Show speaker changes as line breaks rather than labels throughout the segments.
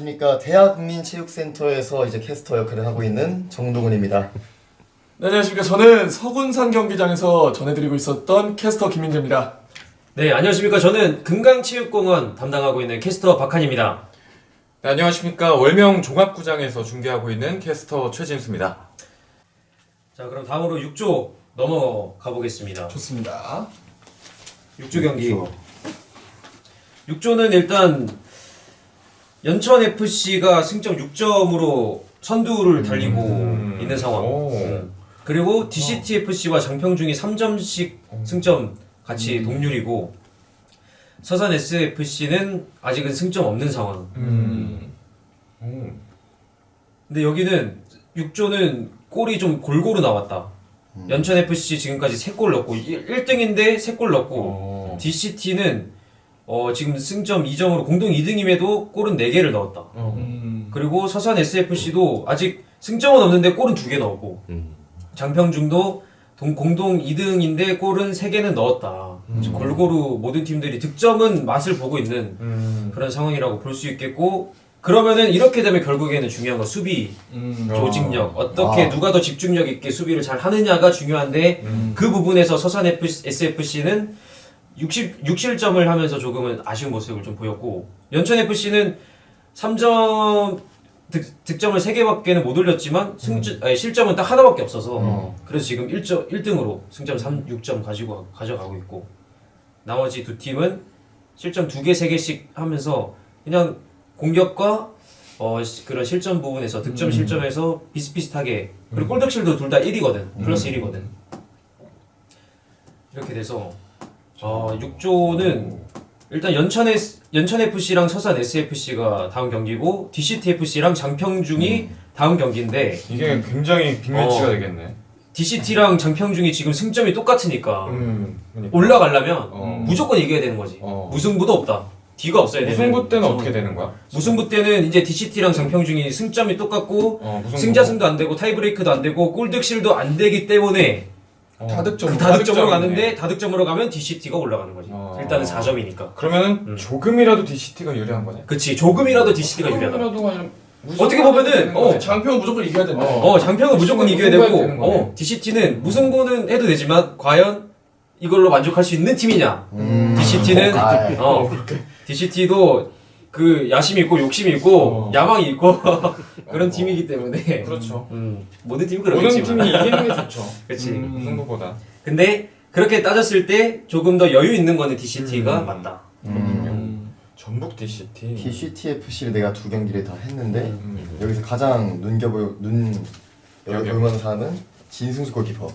안녕하십니까. 대학국민체육센터에서 이제 캐스터 역할을 하고 있는 정동훈입니다.
네, 안녕하십니까. 저는 서군산 경기장에서 전해드리고 있었던 캐스터 김민재입니다.
네, 안녕하십니까. 저는 금강체육공원 담당하고 있는 캐스터 박한입니다.
네, 안녕하십니까. 월명 종합구장에서 중계하고 있는 캐스터 최진수입니다.
자, 그럼 다음으로 6조 넘어가 보겠습니다.
좋습니다.
6조 경기. 6조는 일단 연천FC가 승점 6점으로 선두를 달리고 있는 상황. 그리고 DCTFC와 장평중이 3점씩 승점 같이 동률이고 서산 SFC는 아직은 승점 없는 상황. 근데 여기는 6조는 골이 좀 골고루 나왔다. 연천FC 지금까지 3골 넣고 1등인데 3골 넣고 DCT는 지금 승점 2점으로 공동 2등임에도 골은 4개를 넣었다. 그리고 서산 SFC도 아직 승점은 없는데 골은 2개 넣었고 장평중도 공동 2등인데 골은 3개는 넣었다. 골고루 모든 팀들이 득점은 맛을 보고 있는 그런 상황이라고 볼 수 있겠고, 그러면은 이렇게 되면 결국에는 중요한 건 수비 조직력, 어떻게 누가 더 집중력 있게 수비를 잘 하느냐가 중요한데 그 부분에서 서산 SFC는 6실점을 하면서 조금은 아쉬운 모습을 좀 보였고, 연천FC는 3점 득점을 3개밖에는 못 올렸지만 실점은 딱 하나밖에 없어서 그래서 지금 1등으로 승점 6점 가져가고 있고, 나머지 두 팀은 실점 2개, 3개씩 하면서 그냥 공격과 그런 실점 부분에서 득점 실점에서 비슷비슷하게, 그리고 골득실도 둘 다 1이거든. 플러스 1이거든. 이렇게 돼서 6조는 일단 연천FC랑 서산 SFC가 다음 경기고 DCTFC랑 장평중이 다음 경기인데,
이게 굉장히 빅매치가 되겠네.
DCT랑 장평중이 지금 승점이 똑같으니까
그러니까.
올라가려면 무조건 이겨야 되는 거지. 무승부도 없다. D가 없어야 되는.
무승부 때는 어떻게 되는 거야?
무승부 때는 이제 DCT랑 장평중이 승점이 똑같고 승자승도 안 되고 타이브레이크도 안 되고 골득실도 안 되기 때문에 다득점으로 가는데, 다득점으로 가면 DCT가 올라가는 거지. 일단은 4점이니까.
그러면은 조금이라도 DCT가 유리한 거네.
그치, 조금이라도 DCT가 유리하다.
조금이라도 아니면
어떻게 보면은
장평은 무조건 이겨야 된다.
장평은 무조건 이겨야 되고 DCT는 무승부는 해도 되지만 과연 이걸로 만족할 수 있는 팀이냐. DCT는 DCT도 그 야심이 있고 욕심이 있고 야망이 있고 그런 팀이기 때문에.
그렇죠.
모든 팀이
모든
그러겠지만
팀이 이기는 게 좋죠.
그치.
무승부보다.
근데 그렇게 따졌을 때 조금 더 여유 있는 거는 DCT가 맞다.
전북 DCT.
DCTFC를 내가 2경기를 다 했는데 여기서 가장 눈여겨보는 사람은 진승수 골키퍼.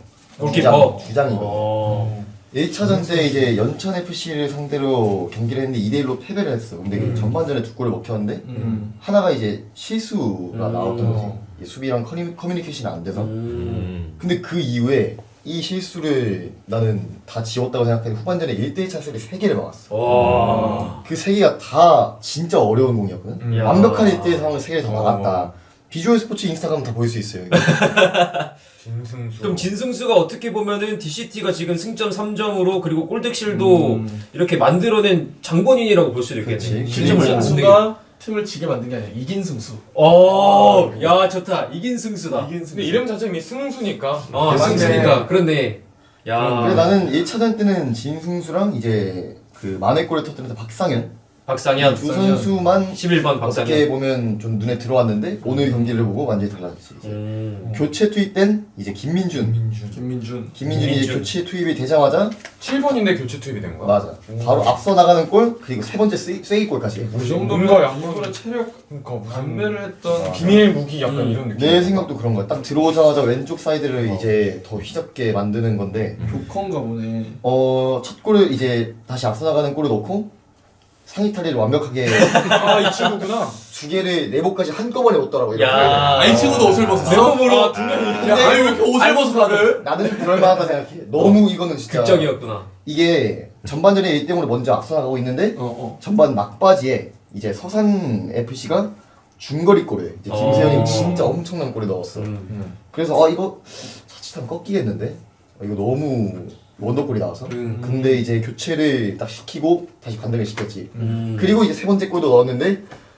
주장이고. 1차전 때 이제 연천FC를 상대로 경기를 했는데 2대1로 패배를 했어. 근데 전반전에 2골을 먹혔는데 하나가 이제 실수가 나왔던 거지. 수비랑 커뮤니케이션이 안 돼서. 근데 그 이후에 이 실수를 나는 다 지웠다고 생각했는데 후반전에 1대1 찬스를 3개를 막았어. 그 3개가 다 진짜 어려운 공이었거든. 완벽한 1대1 상황을 3개를 다 막았다. 비주얼 스포츠 인스타그램 다 보일 수 있어요.
진승수.
그럼 진승수가 어떻게 보면은 DCT가 지금 승점 3점으로 그리고 골득실도 이렇게 만들어낸 장본인이라고 볼 수도 있겠네.
그치.
실점을
승수가 팀을 지게 만든 게 아니라 이긴 승수.
야 좋다. 이긴 승수다.
근데 이름 자체가 이미 승수니까.
승수니까 그렇네. 야.
그래 나는 1차전 때는 진승수랑 이제 그 만회골을 터뜨렸던 박상현 두 선수만
11번
어떻게
박상현.
보면 좀 눈에 들어왔는데 오늘 경기를 보고 완전히 달라졌지. 교체 투입된 이제 김민준이 이제 교체 투입이 되자마자
7번인데 교체 투입이 된 거야.
맞아. 바로 앞서 나가는 골 그리고 세 번째 쐐기골까지.
이 정도면 양쪽으로 체력
반대를 했던
비밀 무기 약간 이런 느낌.
내 생각도 그런 거야. 딱 들어오자마자 왼쪽 사이드를 이제 더 휘잡게 만드는 건데
조커인가 보네.
첫 골을 이제 다시 앞서 나가는 골을 넣고 상의 탈리를 완벽하게
이 친구구나.
2개를 네모까지 한꺼번에 넣더라고.
야.
이 친구도 옷을 벗었어.
내몸으로
근데
왜 이렇게 옷을 벗어 다들?
나는 그럴만하다 생각해. 너무 이거는 진짜
극적이었구나.
이게 전반전에 1대0으로 먼저 앞서 나가고 있는데 전반 막바지에 이제 서산 FC가 중거리 골을 이제 김세현이 진짜 엄청난 골을 넣었어. 그래서 이거 자칫하면 꺾이겠는데? 이거 너무 원더골이 나와서 근데 이제 교체를 딱 시키고 다시 반등을 시켰지. 그리고 이제 세 번째 골도 넣었는데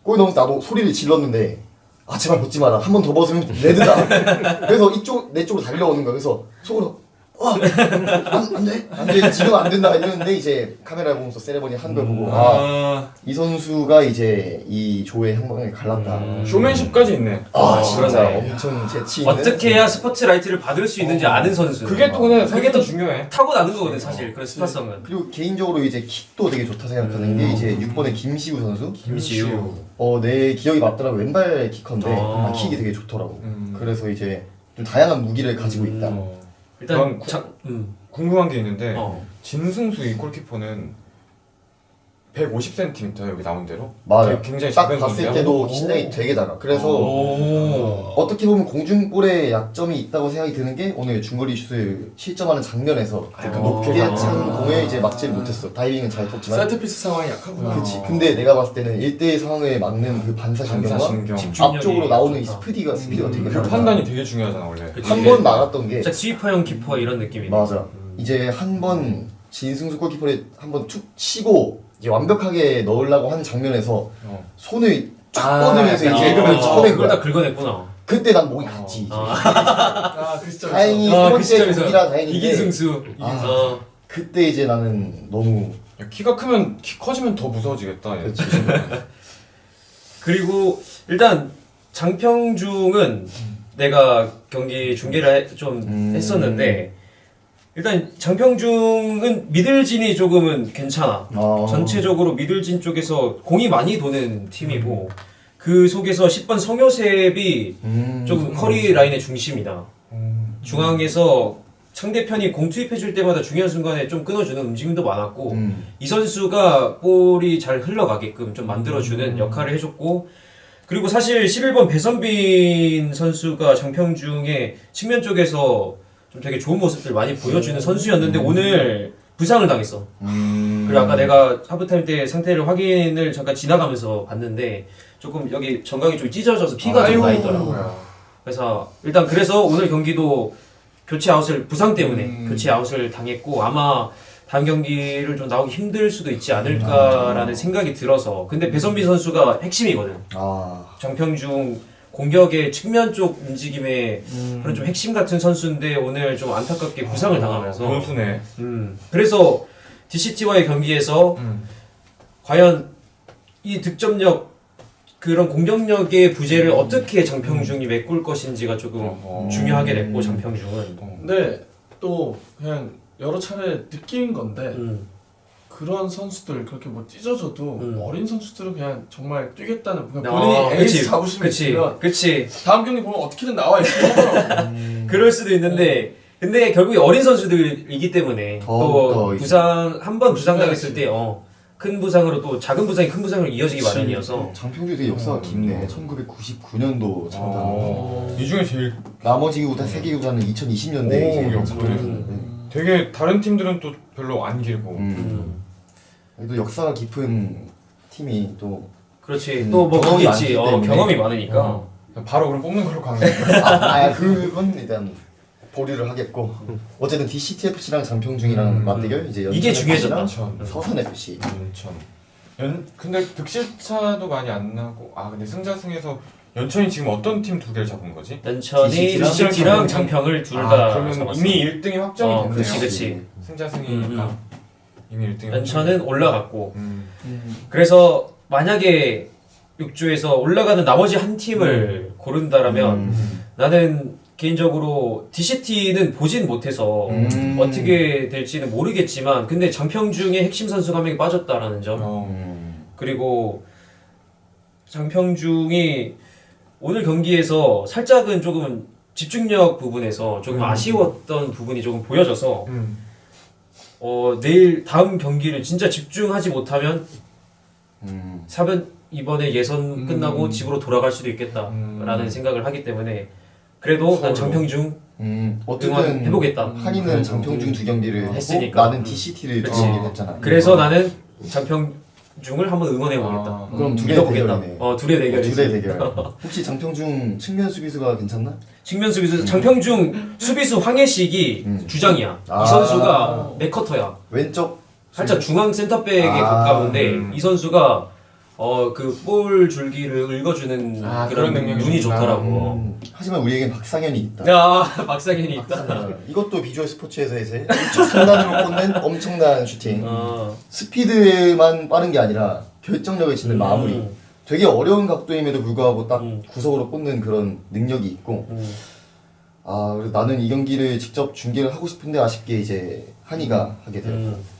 골 넣으면서 나도 소리를 질렀는데 아 제발 벗지 마라. 한 번 더 벗으면 레드다. 그래서 내 쪽으로 달려오는 거야. 그래서 속으로 안 돼. 지금 안 된다 이랬는데 이제 카메라 보면서 세레머니 한 걸 보고 이 선수가 이제 이 조의 향방을 갈랐다.
쇼맨십까지 있네.
진짜
그러네.
엄청 재치 있는.
어떻게 해야 스포트라이트를 받을 수 있는지 아는 선수.
그게 또 그게 더 중요해.
타고나는 거거든 사실. 그런 스타성은.
그리고 개인적으로 이제 킥도 되게 좋다 생각하는 게 이제 6번의 김시우 선수.
김시우.
내 기억이 맞더라고. 왼발 키커인데 킥이 되게 좋더라고. 그래서 이제 좀 다양한 무기를 가지고 있다.
일단
궁금한 게 있는데 진승수 이 골키퍼는 150cm 여기 나온 대로
맞아요.
굉장히
딱
작은
봤을
선수야?
때도 신장이 되게 작아. 그래서 어떻게 보면 공중볼에 약점이 있다고 생각이 드는 게 오늘 중거리 슛을 실점하는 장면에서 그 높게 찬 공을 이제 막지를 못했어. 다이빙은 잘 쳤지만.
세트피스 상황이 약하구나.
그렇지. 근데 내가 봤을 때는 1대1 상황을 막는 그 반사신경과
반사신경.
앞쪽으로 나오는 이 스피드가 되게
그
다르다.
판단이 되게 중요하잖아 원래.
한 번 막았던 게
진짜 스위퍼형 키퍼 이런 느낌이네.
맞아. 이제 한 번 진승수 골키퍼를 한 번 툭 치고 이제 완벽하게 넣으려고 한 장면에서 손을 쫙 뻗으면서 이제
그걸
쳐낸
다
거야.
긁어냈구나.
그때 난 목이 갔지.
그 시점에서.
다행히 세
그
번째
시점에서
경기라 다행인데
이기승수.
그때 이제 나는 너무
야, 키가 크면 키 커지면 더 무서워지겠다. 얘.
그리고 일단 장평중은 내가 경기 중계를 좀 했었는데 일단 장평중은 미들진이 조금은 괜찮아. 전체적으로 미들진 쪽에서 공이 많이 도는 팀이고 그 속에서 10번 성효셉이 조금 커리 라인의 중심이다. 중앙에서 상대편이 공 투입해줄 때마다 중요한 순간에 좀 끊어주는 움직임도 많았고 이 선수가 볼이 잘 흘러가게끔 좀 만들어주는 역할을 해줬고 그리고 사실 11번 배선빈 선수가 장평중의 측면 쪽에서 좀 되게 좋은 모습들 많이 보여주는 선수였는데 오늘 부상을 당했어. 그리고 아까 내가 하프타임 때 상태를 확인을 잠깐 지나가면서 봤는데 조금 여기 정강이 좀 찢어져서 피가 좀 나 있더라고요. 그래서 일단 그래서 오늘 경기도 교체 아웃을 부상 때문에 교체 아웃을 당했고 아마 다음 경기를 좀 나오기 힘들 수도 있지 않을까라는 생각이 들어서 근데 배선빈 선수가 핵심이거든. 장평중 공격의 측면 쪽 움직임의 그런 좀 핵심 같은 선수인데 오늘 좀 안타깝게 부상을 당하면서
선수네.
그래서 DCT와의 경기에서 과연 이 득점력 그런 공격력의 부재를 어떻게 장평중이 메꿀 것인지가 조금 중요하게 됐고 장평중은
근데 또 그냥 여러 차례 느낀 건데 그런 선수들 그렇게 뭐 찢어져도 어린 선수들은 그냥 정말 뛰겠다는 그냥 본인이 에이스 자부심이 있으면
그치
다음 경기 보면 어떻게든 나와 있을 거더라고.
그럴 수도 있는데 근데 결국에 어린 선수들이기 때문에 또 부상 한 번 부상 당했을 때 큰 부상으로 또 작은 부상이 큰 부상으로 이어지기 마련이어서
장평주 되게 역사가 깊네. 1999년도 창단.
이 중에 제일
나머지 구단 3개 구단은 2020년대에 이제
역사를 되게 다른 팀들은 또 별로 안 길고
또 역사가 깊은 팀이 또
그렇지 또 뭐
경험이
있지
많기 때문에.
경험이 많으니까
바로 그럼 뽑는 걸로 가는 거야.
그건 일단 보류를 하겠고 어쨌든 DCTFC랑 장평중이랑 맞대결 이제
이게 중요해졌다.
연천.
서산 FC.
근데 득실차도 많이 안 나고 근데 승자승에서 연천이 지금 어떤 팀 두 개를 잡은 거지?
연천이
DCT 랑
DCT랑 장평을 둘 다
그러면
잡았어.
이미 1등이 확정이 됐네요.
그치
승자승이니까 이미 1등이
연천은 올라갔고 그래서 만약에 6조에서 올라가는 나머지 한 팀을 고른다라면 나는 개인적으로 DCT는 보진 못해서 어떻게 될지는 모르겠지만 근데 장평중의 핵심 선수가 한 명이 빠졌다라는 점 그리고 장평중이 오늘 경기에서 살짝은 조금 집중력 부분에서 조금 아쉬웠던 부분이 조금 보여져서 내일 다음 경기를 진짜 집중하지 못하면 4번 이번에 예선 끝나고 집으로 돌아갈 수도 있겠다라는 생각을 하기 때문에 그래도 난 장평중
어쨌든
해보겠다.
한이는 장평중 두 경기를
했으니까.
나는 DCT를 두 경기를 했잖아.
그래서 나는 장평중을 한번 응원해보겠다.
그럼 둘의
믿어보겠다.
대결이네.
둘의 대결이지.
둘의 대결. 혹시 장평중 측면 수비수가 괜찮나?
측면 수비수 장평중 수비수 황혜식이 주장이야. 이 선수가 맥커터야.
왼쪽
살짝 중앙 센터백에 가까운데 이 선수가 그 볼 줄기를 읽어주는
그런
그런
능력이
눈이
좋구나.
좋더라고.
하지만 우리에겐 박상현이 있다.
야 박상현이 있다.
이것도 비주얼 스포츠에서 이제 1.3단으로 꽂는 엄청난 슈팅. 스피드만 빠른 게 아니라 결정력을 짓는 마무리. 되게 어려운 각도임에도 불구하고 딱 구석으로 꽂는 그런 능력이 있고. 그래서 나는 이 경기를 직접 중계를 하고 싶은데 아쉽게 이제 한이가 하게 되었고.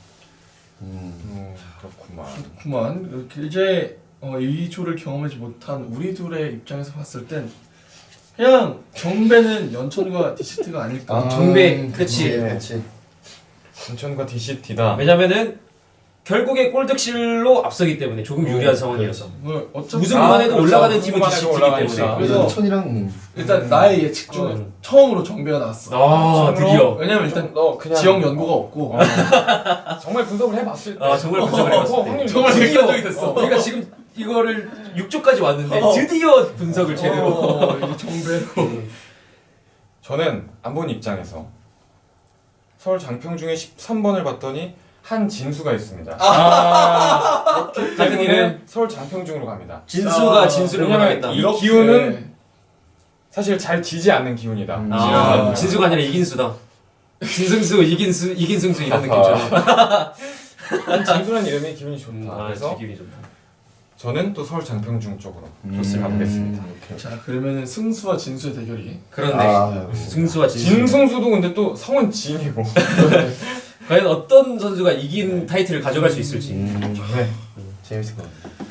그렇구만.
그만 이렇게 이제 이 조를 경험하지 못한 우리 둘의 입장에서 봤을 땐 그냥 정배는 연천과 DCT가 아닐까.
정배, 그치.
그치.
인천과 DCT다.
왜냐면은 결국에 골득실로 앞서기 때문에 조금 유리한 상황이어서
어차피
우승만 해도
그렇죠.
올라가는 팀은
우승만 해도
DCT이기
올라가니까.
때문에.
그래서
연천이랑
일단 나의 예측 중에 처음으로 정배가 나왔어.
드디어.
왜냐면 일단
너 그냥
지역 연구가 없고
정말 분석을 해봤을 때.
정말 분석을 해봤을 때.
확률이
정말
높지.
객관적이 됐어.
그러니까 지금 이거를 6조까지 왔는데 드디어 분석을 제대로.
이게 정배로.
저는 안 본 입장에서 서울 장평중에 13번을 봤더니 한진수가 있습니다. 그렇기
같은
때문에
이름?
서울 장평중으로 갑니다.
진수가 진수를
왜냐면
원하겠다.
이 기운은 사실 잘 지지 않는 기운이다.
진수가 아니라 이긴수다. 진승수, 이긴승수 이런 느낌처럼.
진수라는 이름이 기운이 좋다. 그래서
기분이 좋다.
저는 또 서울 장평중 쪽으로 좋습니다. 가보겠습니다.
자 그러면은 승수와 진수의 대결이.
그런데 승수와 진수.
진승수도 근데 또 성은 진이고.
과연 어떤 선수가 이긴 타이틀을 가져갈 수 있을지.
네. 재밌을 것 같아요.